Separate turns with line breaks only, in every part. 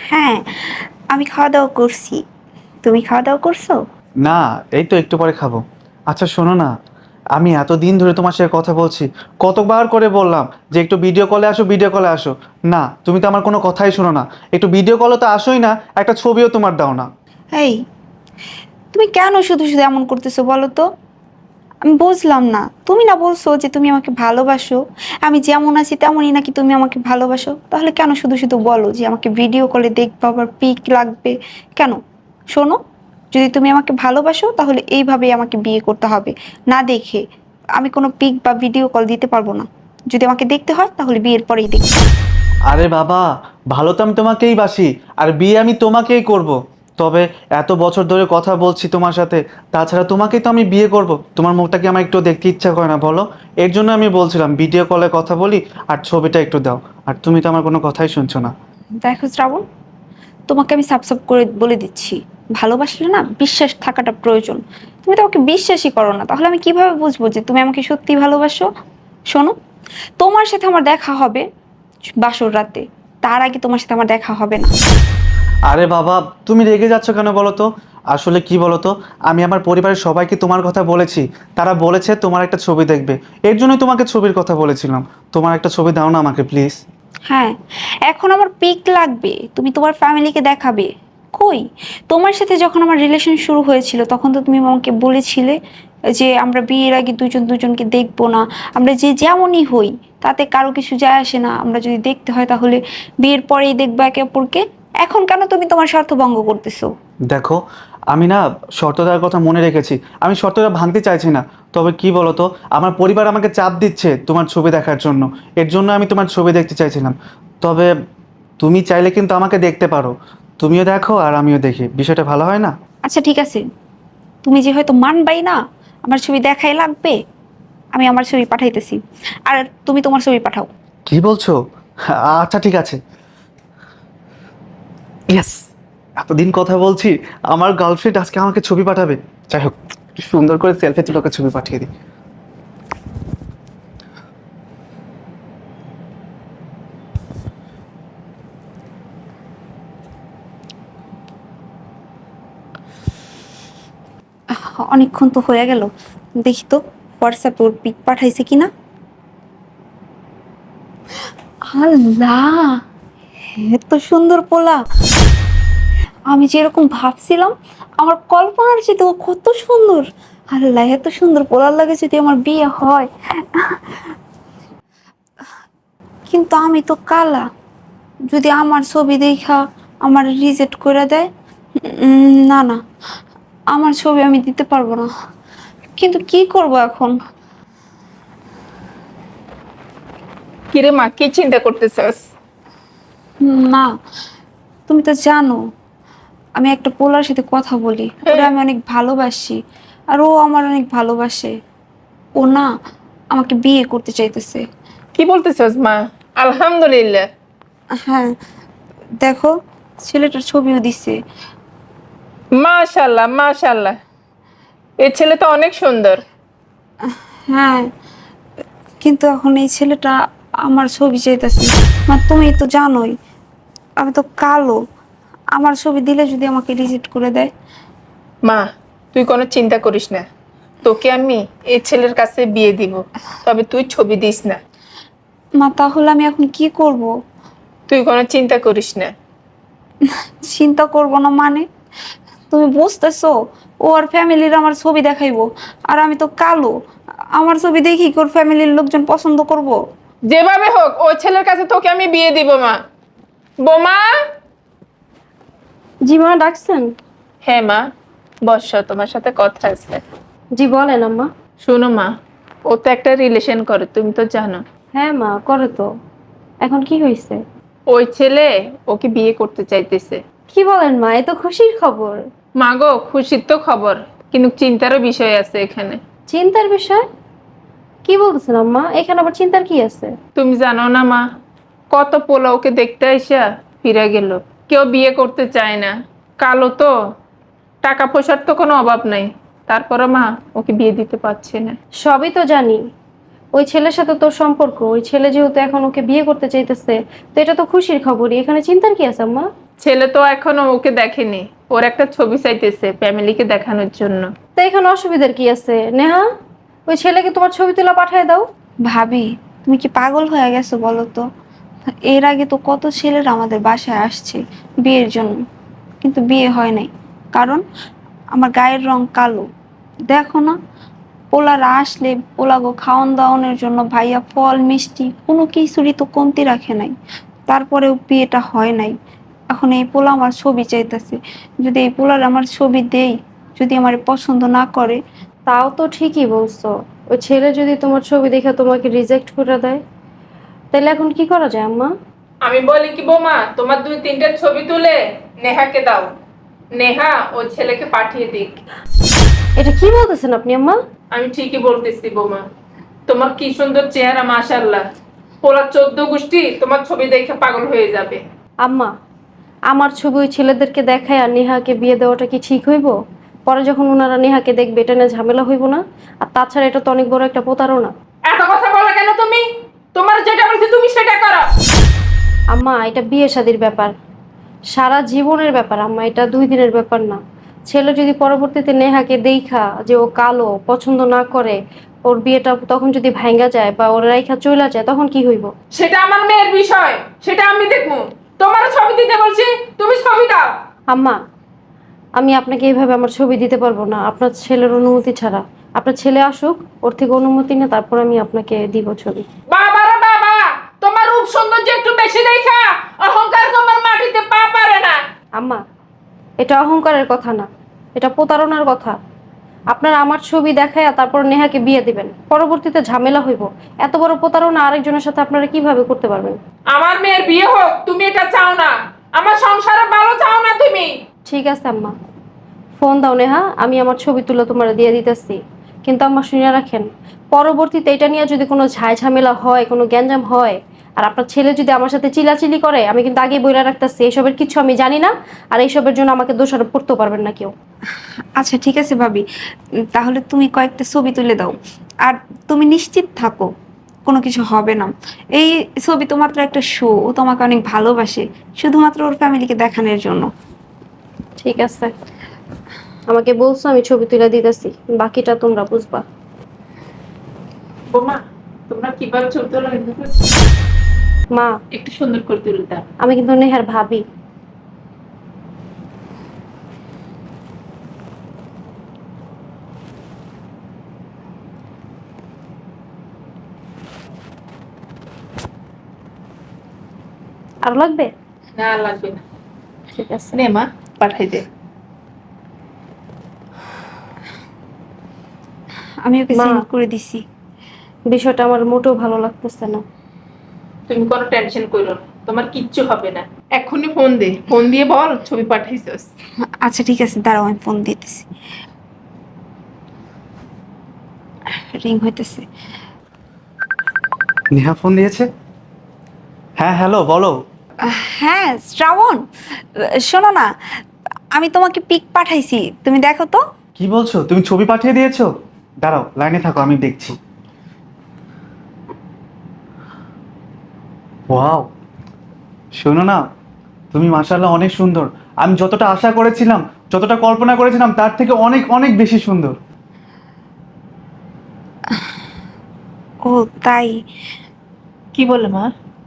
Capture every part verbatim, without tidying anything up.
হ্যাঁ, আমি খাওয়া-দাওয়া করছি। তুমি খাওয়া-দাওয়া করছো?
না, এই তো একটু পরে খাবো। আচ্ছা শোনো না, আমি এতদিন ধরে তোমার সাথে কথা বলছি, কতবার করে বললাম যে একটু ভিডিও কলে আসো, ভিডিও কলে আসো। না, তুমি তো আমার কোনো কথাই শোনো না। একটু ভিডিও কলে তো আসোই না, একটা ছবিও তোমার দাও না।
এই, তুমি কেন শুধু, শুধু এমন করতেছো বলো তো? আমি বুঝলাম না। তুমি না বলছো যে তুমি আমাকে ভালোবাসো। আমি যেমন আছি তেমনই নাকি তুমি আমাকে ভালোবাসো? তাহলে কেন শুধু, শুধু বলো যে আমাকে ভিডিও কলে দেখবা, আবার পিক লাগবে? কেন? শোনো, যদি তুমি আমাকে ভালোবাসো তাহলে এইভাবেই আমাকে বিয়ে করতে হবে। না দেখে আমি কোনো পিক বা ভিডিও কল দিতে পারবো না। যদি আমাকে দেখতে হয় তাহলে বিয়ের পরেই দেখতে হবে।
আরে বাবা, ভালো তো আমি তোমাকেই বাসি, আর বিয়ে আমি তোমাকেই করব। তবে এত বছর ধরে কথা বলছি তোমার সাথে, তাছাড়া তোমাকেই তো আমি বিয়ে করব। তোমার মুখটা কি আমার একটু দেখতে ইচ্ছা করে না বলো? এর জন্য আমি বলছিলাম ভিডিও কলে কথা বলি, আর ছবিটা একটু দাও। আর তুমি তো আমার কোনো কথাই শুনছো না।
দেখো শ্রাবণ, তোমাকে আমি সাব সাব করে বলে দিচ্ছি, ভালোবাসলে না বিশ্বাস থাকাটা প্রয়োজন। তুমি তো আমাকে বিশ্বাসই করো না, তাহলে আমি কিভাবে বুঝবো যে তুমি আমাকে সত্যি ভালোবাসো? শোনো, তোমার সাথে আমার দেখা হবে বাসর রাতে, তার আগে তোমার সাথে আমার দেখা হবে না।
আরে বাবা, তুমি রেগে যাচ্ছ কেন বলো তো? আসলে কি বলো তো, আমি আমার পরিবারের সবাইকে তোমার কথা বলেছি। তারা বলেছে তোমার একটা ছবি দেখবে। এর জন্যই তোমাকে ছবির কথা বলেছিলাম। তোমার একটা ছবি দাও না আমাকে প্লিজ।
হ্যাঁ, এখন আমার পিক লাগবে, তুমি তোমার ফ্যামিলিকে দেখাবে। কই, তোমার সাথে যখন আমার রিলেশন শুরু হয়েছিল তখন তো তুমি আমাকে বলেছিলে যে আমরা বিয়ের আগে দুজন দুজনকে দেখবো না, আমরা যে যেমনই হই তাতে কারো কিছু যায় আসে না, আমরা যদি দেখতে হয় তাহলে বিয়ের পরেই দেখবো একে অপরকে। এখন কেন তুমি তোমার স্বার্থ ভঙ্গ করতেছো?
দেখো, আমি না শর্তটার কথা মনে রেখেছি। আমি শর্তটা ভাঙতে চাইছি না। তবে কি বলো তো, আমার পরিবার আমাকে চাপ দিচ্ছে তোমার ছবি দেখার জন্য। এর জন্য আমি তোমার ছবি দেখতে চাইছিলাম। তবে তুমি চাইলে কিন্তু আমাকে দেখতে পারো। তুমিও দেখো আর আমিও দেখি, বিষয়টা ভালো হয় না?
আচ্ছা ঠিক আছে, তুমি যে হয়তো মানবাই না আমার ছবি দেখাই লাগবে, আমি আমার ছবি পাঠাইতেছি, আর তুমি তোমার ছবি পাঠাও।
কি বলছো? আচ্ছা ঠিক আছে। ইয়েস, এতদিন কথা বলছি, আমার গার্লফ্রেন্ড আজকে আমাকে ছবি পাঠাবে। যাই হোক, একটু সুন্দর করে সেলফি তুলে ওকে ছবি পাঠিয়ে দিই।
অনেকক্ষণ তো হয়ে গেল, দেখি তো হোয়াটসঅ্যাপে ওর পিক পাঠাইছে কিনা। আল্লাহ, এত সুন্দর পোলা! আমি যেরকম ভাবছিলাম, আমার কল্পনার চেয়ে ও কত সুন্দর! আল্লাহ, এত সুন্দর পোলার লাগে যদি আমার বিয়ে হয়। কিন্তু আমি তো কালা, যদি আমার ছবি দেখা আমার রিজেক্ট করে দেয়, উম, না না, আমার ছবি আমি দিতে পারবো না। কিন্তু কি করব এখন?
কিরে মা, কি চিন্তা করতেছস?
না, তুমি তো জানো আমি একটা পোলার সাথে কথা বলি, ওরা
হ্যাঁ।
আমি অনেক ভালোবাসি, আর ও আমার অনেক ভালোবাসে। ও না আমাকে বিয়ে করতে চাইতেছে।
কি বলতেছস মা? আলহামদুলিল্লাহ।
হ্যাঁ, দেখো, ছেলেটার ছবিও দিছে।
মাশাল্লাহ মাশাল্লাহ, এই ছেলে তো অনেক সুন্দর।
হ্যাঁ, কিন্তু এখন এই ছেলেটা আমার ছবি চাইতেছে। মা তুমি তো জানোই আমি তো কালো, আমার ছবি দিলে যদি আমাকে রিজেক্ট করে দেয়।
মা, তুই কোনো চিন্তা করিস না, তোকে আমি এই ছেলের কাছে বিয়ে দিব। তবে তুই ছবি দিস না।
মা তাহলে আমি এখন কি করব?
তুই কোনো চিন্তা করিস না।
চিন্তা করব না মানে? তুমি বুঝতেছো, ও আর ফ্যামিলির আমার ছবি দেখাইবো, আর আমি তো কালো, আমার ছবি দেখি কি ওর ফ্যামিলির লোকজন পছন্দ করব?
যেভাবে হোক ওই ছেলের কাছে তোকে আমি বিয়ে দিব মা। বোমা।
জি মা, ডাকছেন?
হ্যাঁ মা, বর্ষা তোমার সাথে কথা আছে।
জি বলেন আম্মা।
শোনো মা, ও তো একটা রিলেশন করে, তুমি তো জানো।
হ্যাঁ মা, করে তো। এখন কি হয়েছে?
ওই ছেলে ওকে বিয়ে করতে চাইতেছে।
কি বলেন মা, এ তো খুশির খবর।
মা গো, খুশির তো খবর, কিন্তু চিন্তারও বিষয় আছে এখানে।
চিন্তার বিষয়? কি বলতেছেন আম্মা, এখানে আবার চিন্তার কি আছে?
তুমি জানো না মা, কত পোলা ওকে দেখতে আইসা ফিরে গেল। কেউ বিয়ে করতে চায় না, কালো তো, টাকা পয়সার তো কোনো অভাব নাই, তারপরে মা ওকে বিয়ে দিতে পারছে না।
সবই তো জানি, ওই ছেলের সাথে তোর সম্পর্ক, ওই ছেলে যেহেতু এখন ওকে বিয়ে করতে চাইতেছে, তো এটা তো খুশির খবরই, এখানে চিন্তার কি আছে আম্মা?
ছেলে তো এখনো ওকে দেখেনি, ওর একটা ছবি চাইতেছে ফ্যামিলিকে দেখানোর জন্য।
তো এখানে অসুবিধার কি আছে নেহা? ওই ছেলেকে তোমার ছবি তুলে পাঠিয়ে দাও।
ভাবি, তুমি কি পাগল হয়ে গেছো বলো তো? এর আগে তো কত ছেলেরা আমাদের বাসায় আসছে বিয়ের জন্য, কিন্তু বিয়ে হয় নাই। কারণ আমার গায়ের রং কালো। দেখো না, পোলারা আসলে পোলাগো খাওয়ান দাওয়ানোর জন্য ভাইয়া ফল মিষ্টি কোনো কিছুরই তো কমতি রাখে নাই, তারপরেও বিয়েটা হয় নাই। এখন এই পোলা আমার ছবি চাইতেছে, যদি এই পোলার আমার ছবি দেই, যদি আমার পছন্দ না করে।
তাও তো ঠিকই বলছো। ওই ছেলে যদি তোমার ছবি দেখে তোমাকে রিজেক্ট করে দেয়, তাহলে এখন কি করা যায় আম্মা?
আমি বলি কি বৌমা, তোমার দুই তিনটে ছবি তুলে নেহাকে দাও, নেহা ও ছেলেকে পাঠিয়ে দিক।
এটা কি বলতেছেন আপনি আম্মা?
আমি ঠিকই বলতেছি বৌমা, তোমার কি সুন্দর চেহারা, মাশাআল্লাহ। পোলা চোদ্দ গোষ্ঠী তোমার ছবি দেখে পাগল হয়ে যাবে।
আম্মা, আমার ছবি ওই ছেলেদেরকে দেখায় আর নেহাকে বিয়ে দেওয়াটা কি ঠিক হইব? পরে যখন ওনারা নেহাকে দেখবে এটা নিয়ে ঝামেলা হইব না? আর তাছাড়া এটা তো অনেক বড় একটা প্রতারণা।
এত কথা বলো কেন তুমি? তোমার যেটা বলছি তুমি সেটা করো।
আম্মা, এটা বিয়ে শাদির ব্যাপার, সারা জীবনের ব্যাপার আম্মা, এটা দুই দিনের ব্যাপার না। ছেলে যদি পরবর্তীতে নেহাকে দেখা যে ও কালো পছন্দ না করে, ওর বিয়েটা তখন যদি ভাঙ্গা যায় বা ওর রাইখা চলে যায়, তখন কি হইব?
সেটা আমার মেয়ের বিষয়, সেটা আমি দেখবো। তোমার ছবি দিতে বলছি, তুমি ছবি দাও।
আম্মা, আমি আপনাকে এইভাবে আমার ছবি দিতে পারবো না আপনার ছেলের অনুমতি ছাড়া। আপনার ছেলে আসুক, ওর থেকে অনুমতি নিয়ে তারপর আমি আপনাকে দিব ছবি।
বাবা রে বাবা, তোমার রূপ সৌন্দর্য একটু বেশি দেখা অহংকার তোমার মাটিতে পা পারে না।
আম্মা, এটা অহংকারের কথা না, এটা প্রতারণার কথা। আপনারা আমার ছবি দেখায় তারপর নেহাকে বিয়ে দিবেন, পরবর্তীতে ঝামেলা হইব। এত বড় প্রতারণা আরেকজনের সাথে আপনারা কিভাবে করতে পারবেন?
আমার মেয়ের বিয়ে হোক, তুমি এটা চাও না। আমার সংসারে ভালো চাও না তুমি।
ঠিক আছে আম্মা, ফোন দাও নেহা, আমি আমার ছবি তুলে তোমার দিয়ে দিতেছি। কিন্তু আম্মা শুনে রাখেন, পরবর্তীতে এটা নিয়ে যদি কোনো ঝাই ঝামেলা হয়, কোনো গ্যাঞ্জাম হয়, আর আপনার ছেলে যদি আমার সাথে চিলাচিলি করে, আমি কিন্তু আগেই বইলা রাখতেছি এইসবের কিছু আমি জানি না। আর এইসবের জন্য আমাকে দোষারোপ করতে পারবেন না কেউ।
আচ্ছা ঠিক আছে ভাবি, উম, তাহলে তুমি কয়েকটা ছবি তুলে দাও। আর তুমি নিশ্চিত থাকো কোনো কিছু হবে না। এই ছবি তো মাত্র একটা শো, ও তোমাকে অনেক ভালোবাসে, শুধুমাত্র ওর ফ্যামিলিকে দেখানোর জন্য।
ঠিক আছে, আমাকে বলছো, আমি ছবি তুলে দিতেছি, বাকিটা তোমরা বুঝবা।
বোমা, তোমরা কিভাবে ছবি তোলো
মা,
একটু সুন্দর করে তুলে দাও।
আমি কিন্তু নেহার ভাবি। আর লাগবে?
না লাগবে না।
ঠিক আছে।
নে মা, পাঠাই দে।
আমি ওকে
মা।
সেন্ড করে দিছি।
বিষয়টা আমার মোটেও ভালো লাগতেছে না।
তুমি কোনো টেনশন করো না, তোমার কিচ্ছু হবে না। এক্ষুনি ফোন দে, ফোন দিয়ে বল ছবি পাঠাইছস।
আচ্ছা ঠিক আছে, দাঁড়াও আমি ফোন দিতেছি। রিং হইতেছে।
নেহা ফোন দিয়েছে? হ্যাঁ হ্যালো, বলো।
হ্যাঁ শ্রাবণ, শোনো না, আমি তোমাকে পিক পাঠাইছি, তুমি দেখো তো।
কি বলছো, তুমি ছবি পাঠিয়ে দিয়েছো? দাঁড়াও, লাইনে থাকো, আমি দেখছি। ওয়াও, শোনো না, তুমি মাশাআল্লাহ অনেক সুন্দর। আমি যতটা আশা করেছিলাম, যতটা কল্পনা করেছিলাম, তার থেকে অনেক অনেক বেশি সুন্দর।
ও তাই?
কি বলে মা?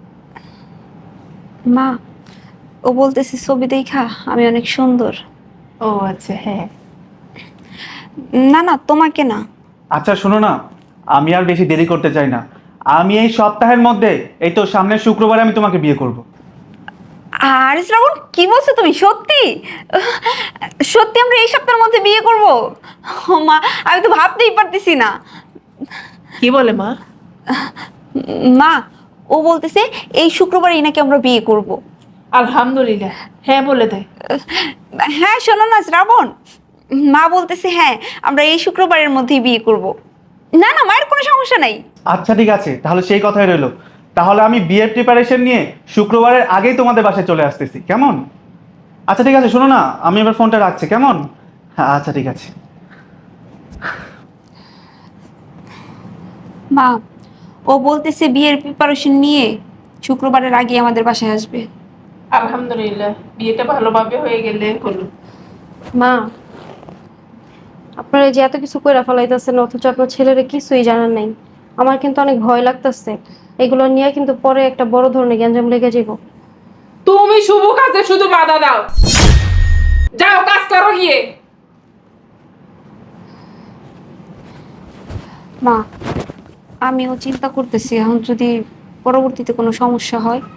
মা, ও বলতেছে ছবি দেখা আমি অনেক সুন্দর।
ও আচ্ছা, হ্যাঁ।
না না, তোমাকে না।
আচ্ছা শোনো না, আমি আর বেশি দেরি করতে চাই না। আমি এই সপ্তাহের মধ্যে, এই তো সামনের শুক্রবারে আমি তোমাকে বিয়ে করব।
আর শ্রাবণ, কি বলছো তুমি? সত্যি সত্যি আমরা এই সপ্তাহের মধ্যে বিয়ে করব? ও মা, আমি তো ভাবতেই পারতেছি না।
কি বলে মা?
মা, ও বলতেছে এই শুক্রবারই নাকি আমরা বিয়ে করব।
আলহামদুলিল্লাহ, হ্যাঁ বলে দেয়।
হ্যাঁ শোনো না শ্রাবণ, মা বলতেছে হ্যাঁ আমরা এই শুক্রবারের মধ্যেই বিয়ে করব। না না, মায়ের কোনো সমস্যা নাই।
আচ্ছা ঠিক আছে, তাহলে সেই কথাই রইলো। তাহলে আমি বিয়ের প্রিপারেশন নিয়ে শুক্রবারের আগেই তোমাদের বাসায় চলে আসতেছি, কেমন? আচ্ছা ঠিক আছে, শোনো না, আমি এবার ফোনটা রাখছি, কেমন? হ্যাঁ আচ্ছা ঠিক আছে।
মা, ও বলতেছে বিয়ের প্রিপারেশন নিয়ে শুক্রবারের আগে আমাদের বাসায় আসবে।
আলহামদুলিল্লাহ, বিয়েটা ভালোভাবে হয়ে গেলে হলো।
মা, আপনারা যে এত কিছু কইরা ফেলাইতেছেন অথচ আপনার ছেলেরে কিছুই জানান নাই, আমার কিন্তু অনেক ভয় লাগতেছে। এগুলো নিয়ে কিন্তু পরে একটা বড় ধরনের গ্যাঞ্জাম লেগে যাব।
তুমি শুভ কাজে শুধু বাধা দাও। যাও কাজ করো গিয়ে।
মা, আমিও চিন্তা করতেছি এখন যদি পরবর্তীতে কোনো সমস্যা হয়